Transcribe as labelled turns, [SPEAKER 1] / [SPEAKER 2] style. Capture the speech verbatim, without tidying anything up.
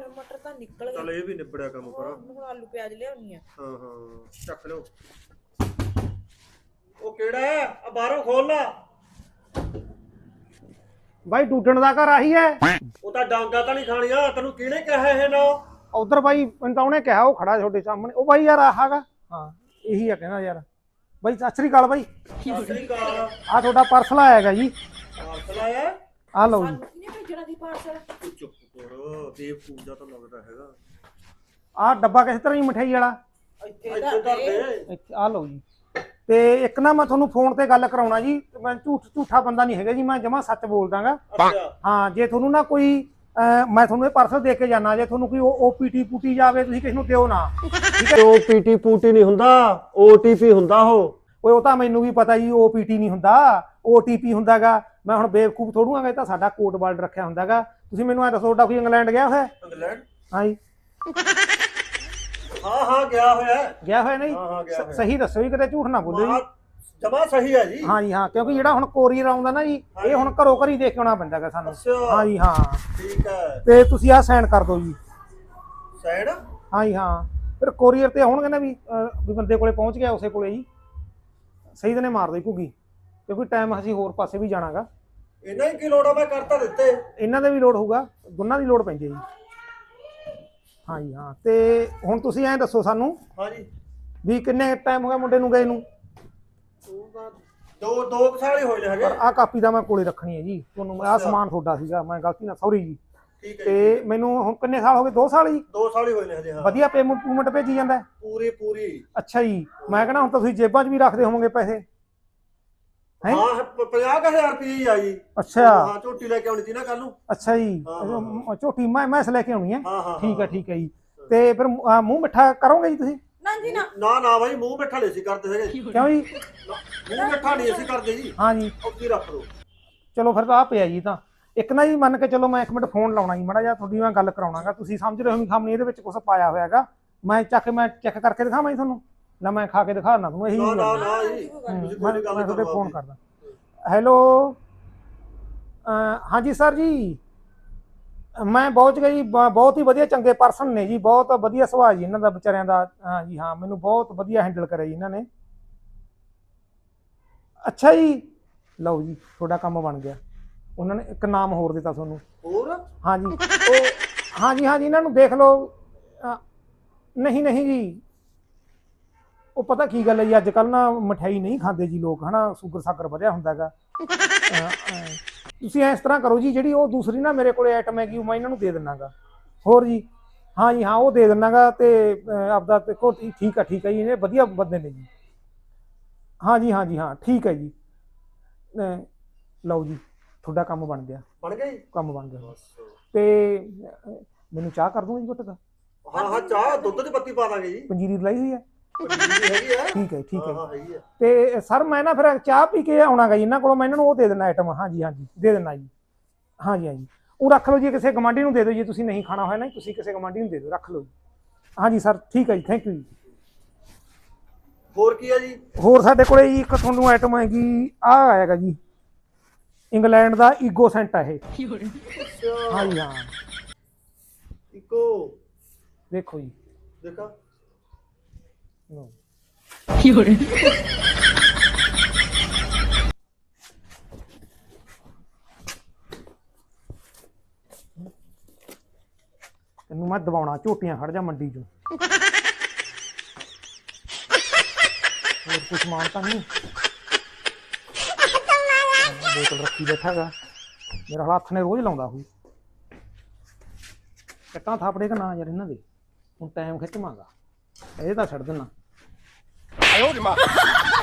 [SPEAKER 1] ਚੱਲ ਮਟਰ ਤਾਂ ਨਿਕਲ ਗਏ।
[SPEAKER 2] ਚੱਲ ਇਹ ਵੀ ਨਿਬੜਿਆ ਕੰਮ ਪਰ
[SPEAKER 1] ਹੁਣ ਆਲੂ ਪਿਆਜ਼ ਲਿਆਉਣੀ ਆ।
[SPEAKER 2] ਹਾਂ ਹਾਂ ਚੱਕ ਲਿਓ। ਉਹ ਕਿਹੜਾ ਹੈ ਆ ਬਾਹਰੋਂ ਖੋਲ ਲਾ।
[SPEAKER 3] ਬਾਈ ਟੂਟਣ ਦਾ ਘਰ ਆਹੀ ਹੈ।
[SPEAKER 2] ਉਹ ਤਾਂ ਡਾਂਗਾ ਤਾਂ ਨਹੀਂ ਖਾਣੀਆਂ ਤੈਨੂੰ ਕਿਹਨੇ ਕਿਹਾ ਇਹ ਨਾ।
[SPEAKER 3] ਉਧਰ ਬਾਈ ਮੈਨੂੰ ਤਾਂ ਉਹਨੇ ਕਿਹਾ ਉਹ ਖੜਾ ਤੁਹਾਡੇ ਸਾਹਮਣੇ। ਉਹ ਬਾਈ ਯਾਰ ਆਹਾਗਾ ਹਾਂ ਇਹੀ ਆ ਕਹਿੰਦਾ ਯਾਰ। ਬਾਈ ਸਤਿ ਸ੍ਰੀ ਅਕਾਲ ਬਾਈ।
[SPEAKER 2] ਸਤਿ ਸ੍ਰੀ ਅਕਾਲ।
[SPEAKER 3] ਆ ਤੁਹਾਡਾ ਪਾਰਸਲ ਆਏਗਾ ਜੀ।
[SPEAKER 2] ਪਾਰਸਲ ਆਇਆ
[SPEAKER 3] ਆ ਲਓ ਜੀ।
[SPEAKER 1] ਕਿਹਨੇ ਭੇਜਣਾ ਦੀ ਪਾਰਸਲ?
[SPEAKER 2] ਤੂੰ ਚੁੱਪ ਕਰ ਬੇਵਕੂਫ ਦਾ ਤਾਂ ਲੱਗਦਾ ਹੈਗਾ।
[SPEAKER 3] ਆ ਡੱਬਾ ਕਿਸ ਤਰ੍ਹਾਂ ਜੀ ਮਠਿਆਈ ਵਾਲਾ
[SPEAKER 1] ਇੱਥੇ
[SPEAKER 2] ਇੱਥੇ
[SPEAKER 1] ਦਾ
[SPEAKER 2] ਧਰ ਦੇ।
[SPEAKER 3] ਆ ਲਓ ਜੀ। ਤੇ ਇੱਕ ਨਾ ਮੈਂ ਤੁਹਾਨੂੰ ਫੋਨ ਤੇ ਗੱਲ ਕਰਾਉਣਾ ਜੀ। ਮੈਂ ਝੂਠ ਝੂਠਾ ਬੰਦਾ ਨਹੀਂ ਹੈਗਾ ਜੀ। ਮੈਂ ਜਮਾਂ ਸੱਚ ਬੋਲਦਾਗਾ।
[SPEAKER 2] ਅੱਛਾ
[SPEAKER 3] ਹਾਂ ਜੇ ਤੁਹਾਨੂੰ ਨਾ ਕੋਈ ਮੈਂ ਤੁਹਾਨੂੰ ਇਹ ਪਾਰਸਲ ਦੇ ਕੇ ਜਾਣਾ। ਜੇ ਤੁਹਾਨੂੰ ਕੋਈ ਓਪੀਟੀ ਪੂਟੀ ਜਾਵੇ ਤੁਸੀਂ ਕਿਸ ਨੂੰ ਦਿਓ ਨਾ।
[SPEAKER 2] ਠੀਕ ਹੈ। ਓਪੀਟੀ ਪੂਟੀ ਨਹੀਂ ਹੁੰਦਾ ਓਟੀਪੀ ਹੁੰਦਾ ਉਹ।
[SPEAKER 3] ਓਏ ਉਹ ਤਾਂ ਮੈਨੂੰ ਵੀ ਪਤਾ ਜੀ ਓਪੀਟੀ ਨਹੀਂ ਹੁੰਦਾ ਓਟੀਪੀ ਹੁੰਦਾਗਾ। ਮੈਂ ਹੁਣ ਬੇਵਕੂਫ ਥੋੜੂ ਆਂਗਾ। ਇਹ ਤਾਂ ਸਾਡਾ ਕੋਡ ਵਰਡ ਰੱਖਿਆ ਹੁੰਦਾਗਾ। ਤੁਸੀਂ ਮੈਨੂੰ ਐ ਦੱਸੋ ਤੁਹਾਡਾ ਕੋਈ ਇੰਗਲੈਂਡ ਗਿਆ ਹੋਇਆ?
[SPEAKER 2] ਇੰਗਲੈਂਡ?
[SPEAKER 3] ਹਾਂ ਜੀ
[SPEAKER 2] ਹਾਂ ਹਾਂ ਗਿਆ ਹੋਇਆ।
[SPEAKER 3] ਗਿਆ ਹੋਇਆ ਨਹੀਂ?
[SPEAKER 2] ਹਾਂ ਹਾਂ ਗਿਆ ਹੋਇਆ।
[SPEAKER 3] ਸਹੀ ਦੱਸੋ ਜੀ ਕਿਤੇ ਝੂਠ ਨਾ ਬੋਲਿਓ ਜੀ।
[SPEAKER 2] ਜਮਾ ਸਹੀ ਹੈ ਜੀ।
[SPEAKER 3] ਹਾਂ ਜੀ ਹਾਂ ਕਿਉਂਕਿ ਜਿਹੜਾ ਹੁਣ ਕੋਰੀਅਰ ਆਉਂਦਾ ਨਾ ਜੀ ਇਹ ਹੁਣ ਘਰੋਂ ਘਰੀ ਦੇਖ ਕੇ ਆਉਣਾ ਪੈਂਦਾਗਾ ਸਾਨੂੰ। ਹਾਂ ਜੀ ਹਾਂ
[SPEAKER 2] ਠੀਕ ਹੈ।
[SPEAKER 3] ਤੇ ਤੁਸੀਂ ਆਹ ਸਾਈਨ ਕਰ ਦਿਓ ਜੀ।
[SPEAKER 2] ਸਾਈਡ?
[SPEAKER 3] ਹਾਂ ਜੀ ਹਾਂ ਫਿਰ ਕੋਰੀਅਰ ਤੇ ਆਉਣਗੇ ਨਾ ਵੀ ਵੀ ਬੰਦੇ ਕੋਲੇ ਪਹੁੰਚ ਗਿਆ ਉਸੇ ਕੋਲੇ ਜੀ। ਸਹੀ ਦਿਨੇ ਮਾਰ ਦੇ ਘੁੱਗੀ ਕਿਉਂਕਿ ਟਾਈਮ ਅਸੀਂ ਹੋਰ ਪਾਸੇ ਵੀ ਜਾਣਾਗਾ।
[SPEAKER 2] ਇਹਨਾਂ ਹੀ ਕੀ ਲੋੜ ਆ ਮੈਂ ਕਰਤਾ ਦਿੱਤੇ।
[SPEAKER 3] ਇਹਨਾਂ ਦੇ ਵੀ ਲੋਡ ਹੋਊਗਾ ਦੋਨਾਂ ਦੀ ਲੋਡ ਪੈਂਦੀ ਹੈ ਜੀ। ਹਾਂ ਜੀ ਹਾਂ ਤੇ ਹੁਣ ਤੁਸੀਂ ਐਂ ਦੱਸੋ ਸਾਨੂੰ
[SPEAKER 2] ਹਾਂ ਜੀ
[SPEAKER 3] ਵੀ ਕਿੰਨੇ ਟਾਈਮ ਹੋ ਗਿਆ ਮੁੰਡੇ ਨੂੰ ਗਏ ਨੂੰ?
[SPEAKER 2] ਦੋ ਦੋ ਸਾਲ ਹੀ ਹੋਏ ਨੇ ਹਜੇ।
[SPEAKER 3] ਪਰ ਆਹ ਕਾਪੀ ਦਾ ਮੈਂ ਕੋਲੇ ਰੱਖਣੀ ਹੈ ਜੀ ਤੁਹਾਨੂੰ। ਆਹ ਸਮਾਨ ਤੁਹਾਡਾ ਸੀਗਾ ਮੈਂ ਗਲਤੀ ਨਾਲ ਸੌਰੀ ਜੀ।
[SPEAKER 2] ਠੀਕ ਹੈ।
[SPEAKER 3] ਤੇ ਮੈਨੂੰ ਹੁਣ ਕਿੰਨੇ ਸਾਲ ਹੋ ਗਏ? ਦੋ ਸਾਲ ਜੀ।
[SPEAKER 2] ਦੋ ਸਾਲ ਹੀ ਹੋਏ ਨੇ ਹਜੇ। ਹਾਂ
[SPEAKER 3] ਵਧੀਆ ਪੇਮੈਂਟ ਪੂਮੈਂਟ ਭੇਜੀ ਜਾਂਦਾ?
[SPEAKER 2] ਪੂਰੀ ਪੂਰੀ।
[SPEAKER 3] ਅੱਛਾ ਜੀ ਮੈਂ ਕਹਿੰਦਾ ਹੁਣ ਤਾਂ ਤੁਸੀਂ ਜੇਬਾਂ 'ਚ ਵੀ ਰੱਖਦੇ ਹੋਵੋਗੇ ਪੈਸੇ ਹੈ?
[SPEAKER 2] ਹਾਂ ਪੰਜਾਹ ਹਜ਼ਾਰ ਰੁਪਏ ਹੀ ਆ ਜੀ।
[SPEAKER 3] ਅੱਛਾ
[SPEAKER 2] ਹਾਂ ਝੋਟੀ ਲੈ ਕੇ ਆਉਣੀ ਸੀ ਨਾ ਕੱਲ ਨੂੰ।
[SPEAKER 3] ਅੱਛਾ ਜੀ
[SPEAKER 2] ਹਾਂ,
[SPEAKER 3] ਝੋਟੀ ਮੈਂ ਮੈਸ ਲੈ ਕੇ ਆਉਣੀ ਹੈ।
[SPEAKER 2] ਹਾਂ ਹਾਂ
[SPEAKER 3] ਠੀਕ ਹੈ ਠੀਕ ਹੈ ਜੀ। ਤੇ ਫਿਰ ਅਹ, ਮੂੰਹ ਮਿੱਠਾ ਕਰੋਗੇ ਜੀ ਤੁਸੀਂ?
[SPEAKER 1] ਨਾ ਜੀ ਨਾ।
[SPEAKER 2] ਨਾ ਨਾ ਬਾਈ ਮੂੰਹ ਮਿੱਠਾ ਨਹੀਂ ਸੀ ਕਰਦੇ ਹੈਗੇ।
[SPEAKER 3] ਕਿਉਂ ਜੀ?
[SPEAKER 2] ਮੂੰਹ ਮਿੱਠਾ ਨਹੀਂ ਅਸੀਂ ਕਰਦੇ ਜੀ।
[SPEAKER 3] ਹਾਂ ਜੀ
[SPEAKER 2] ਉੱਥੇ ਰੱਖ ਦੋ।
[SPEAKER 3] ਚਲੋ ਫਿਰ ਤਾਂ ਆ ਪਿਆ ਜੀ। ਤਾਂ ਇੱਕ ਨਾ ਜੀ ਮੰਨ ਕੇ ਚਲੋ ਮੈਂ ਇੱਕ ਮਿੰਟ ਫੋਨ ਲਾਉਣਾ ਜੀ ਮਾੜਾ ਜਿਹਾ ਤੁਹਾਡੀ ਮੈਂ ਗੱਲ ਕਰਾਉਣਾਗਾ। ਤੁਸੀਂ ਸਮਝ ਰਹੇ ਹੋ ਵੀ ਖਾਮਣੀ ਇਹਦੇ ਵਿੱਚ ਕੁਝ ਪਾਇਆ ਹੋਇਆ ਹੈਗਾ। ਮੈਂ ਚੱਕ ਮੈਂ ਚੈੱਕ ਕਰਕੇ ਦਿਖਾਵਾਂ ਜੀ ਤੁਹਾਨੂੰ? ਨਾ ਮੈਂ ਖਾ ਕੇ ਦਿਖਾਣਾ ਤੁਹਾਨੂੰ ਇਹੀ
[SPEAKER 2] ਨਾ ਨਾ
[SPEAKER 3] ਗੱਲ।
[SPEAKER 2] ਨਾ ਜੀ ਤੁਸੀਂ
[SPEAKER 3] ਮੈਂ
[SPEAKER 2] ਕੋਈ ਗੱਲ
[SPEAKER 3] ਮੈਂ ਤੁਹਾਡੇ
[SPEAKER 2] ਕਰੋ
[SPEAKER 3] ਫੋਨ ਕਰਦਾ। ਹੈਲੋ ਹਾਂਜੀ ਸਰ ਜੀ ਮੈਂ ਪਹੁੰਚ ਗਿਆ ਜੀ। ਬਹੁਤ ਹੀ ਵਧੀਆ ਚੰਗੇ ਪਰਸਨ ਨੇ ਜੀ। ਬਹੁਤ ਵਧੀਆ ਸੁਭਾਅ ਜੀ ਇਹਨਾਂ ਦਾ ਵਿਚਾਰਿਆਂ ਦਾ। ਹਾਂ ਜੀ ਹਾਂ ਮੈਨੂੰ ਬਹੁਤ ਵਧੀਆ ਹੈਂਡਲ ਕਰਿਆ ਜੀ ਇਹਨਾਂ ਨੇ। ਅੱਛਾ ਜੀ ਲਓ ਜੀ ਤੁਹਾਡਾ ਕੰਮ ਬਣ ਗਿਆ। ਉਹਨਾਂ ਨੇ ਇੱਕ ਨਾਮ ਹੋਰ ਦਿੱਤਾ ਤੁਹਾਨੂੰ।
[SPEAKER 2] ਹੋਰ?
[SPEAKER 3] ਹਾਂ ਜੀ ਉਹ ਹਾਂ ਜੀ ਹਾਂ ਜੀ ਇਹਨਾਂ ਨੂੰ ਦੇਖ ਲਓ। ਨਹੀਂ ਨਹੀਂ ਜੀ ਉਹ ਪਤਾ ਕੀ ਗੱਲ ਹੈ ਜੀ ਅੱਜ ਕੱਲ੍ਹ ਨਾ ਮਠਿਆਈ ਨਹੀਂ ਖਾਂਦੇ ਜੀ ਲੋਕ ਹੈ ਨਾ। ਸ਼ੂਗਰ ਸ਼ਾਗਰ ਵਧਿਆ ਹੁੰਦਾ ਹੈਗਾ। ਤੁਸੀਂ ਇਸ ਤਰ੍ਹਾਂ ਕਰੋ ਜੀ ਜਿਹੜੀ ਉਹ ਦੂਸਰੀ ਨਾ ਮੇਰੇ ਕੋਲੇ ਆਈਟਮ ਹੈਗੀ ਉਹ ਮੈਂ ਇਹਨਾਂ ਨੂੰ ਦੇ ਦਿੰਨਾਗਾ। ਹੋਰ ਜੀ ਹਾਂ ਜੀ ਹਾਂ ਉਹ ਦੇ ਦਿੰਨਾਗਾ। ਤੇ ਆਪਦਾ ਦੇਖੋ ਠੀਕ ਆ ਠੀਕ ਹੈ ਜੀ ਇਹ ਵਧੀਆ ਬੰਦੇ ਨੇ ਜੀ। ਹਾਂ ਜੀ ਹਾਂ ਜੀ ਹਾਂ ਠੀਕ ਹੈ ਜੀ। ਲਓ ਜੀ ਤੁਹਾਡਾ ਕੰਮ ਬਣ ਗਿਆ।
[SPEAKER 2] ਬਣ ਗਿਆ ਜੀ?
[SPEAKER 3] ਕੰਮ ਬਣ ਗਿਆ। ਤੇ ਮੈਨੂੰ ਚਾਹ ਕਰ ਦੂੰਗਾ ਜੀ ਘੁੱਟ ਦਾ?
[SPEAKER 2] ਹਾਂ ਹਾਂ ਚਾਹ ਦੁੱਧ 'ਚ ਪੱਤੀ ਪਾ ਦਾਂਗੇ ਜੀ।
[SPEAKER 3] ਪੰਜੀਰੀ ਲਾਈ ਹੋਈ ਹੈ?
[SPEAKER 2] ਹੈਗੀ ਆ।
[SPEAKER 3] ਠੀਕ ਹੈ ਠੀਕ ਹੈ।
[SPEAKER 2] ਹਾਂ ਹੈਗੀ ਆ।
[SPEAKER 3] ਤੇ ਸਰ ਮੈਂ ਨਾ ਫਿਰ ਚਾਹ ਪੀ ਕੇ ਆਉਣਾਗਾ ਜੀ ਇਹਨਾਂ ਕੋਲੋਂ। ਮੈਂ ਇਹਨਾਂ ਨੂੰ ਉਹ ਦੇ ਦੇਣਾ ਆਈਟਮ। ਹਾਂਜੀ ਹਾਂਜੀ ਦੇ ਦੇਣਾ ਜੀ। ਹਾਂਜੀ ਹਾਂਜੀ ਉਹ ਰੱਖ ਲਓ ਜੀ ਕਿਸੇ ਗਵਾਂਢੀ ਨੂੰ ਦੇ ਦਿਓ ਜੀ। ਤੁਸੀਂ ਨਹੀਂ ਖਾਣਾ ਹੋਇਆ ਨਾ ਤੁਸੀਂ ਕਿਸੇ ਗਵਾਂਢੀ ਨੂੰ ਦੇ ਦਿਓ ਰੱਖ ਲਓ ਜੀ। ਹਾਂਜੀ ਸਰ ਠੀਕ ਹੈ ਜੀ ਥੈਂਕ ਯੂ ਜੀ।
[SPEAKER 2] ਹੋਰ ਕੀ ਆ ਜੀ?
[SPEAKER 3] ਹੋਰ ਸਾਡੇ ਕੋਲੇ ਜੀ ਇੱਕ ਤੁਹਾਨੂੰ ਆਈਟਮ ਹੈਗੀ ਆਹ ਆਏਗਾ ਜੀ ਇੰਗਲੈਂਡ ਦਾ ਈਗੋ ਸੈਂਟ ਹੈ ਇਹ। ਹਾਂਜੀ ਹਾਂ
[SPEAKER 2] ਇੱਕੋ
[SPEAKER 3] ਦੇਖੋ ਜੀ
[SPEAKER 2] ਦੇਖਾ।
[SPEAKER 3] ਤੈਨੂੰ ਮੈਂ ਦਬਾਉਣਾ ਝੋਟੀਆਂ ਖੜ ਜਾ ਮੰਡੀ ਚੋਂ। ਹੋਰ ਕੁਛ ਸਮਾਨ ਤਾਂ ਨਹੀਂ? ਬੋਤਲ ਰੱਖੀ ਬੈਠਾਗਾ ਮੇਰਾ ਹੱਥ ਨੇ ਰੋਜ਼ ਲਾਉਂਦਾ ਹੋਈ। ਕੱਟਾਂ ਥਾਪੜੇ ਕਿ ਨਾ ਯਾਰ ਇਹਨਾਂ ਦੇ ਹੁਣ ਟਾਈਮ ਖਿੱਚਵਾਂਗਾ ਇਹ ਤਾਂ ਛੱਡ ਦੇਣਾ।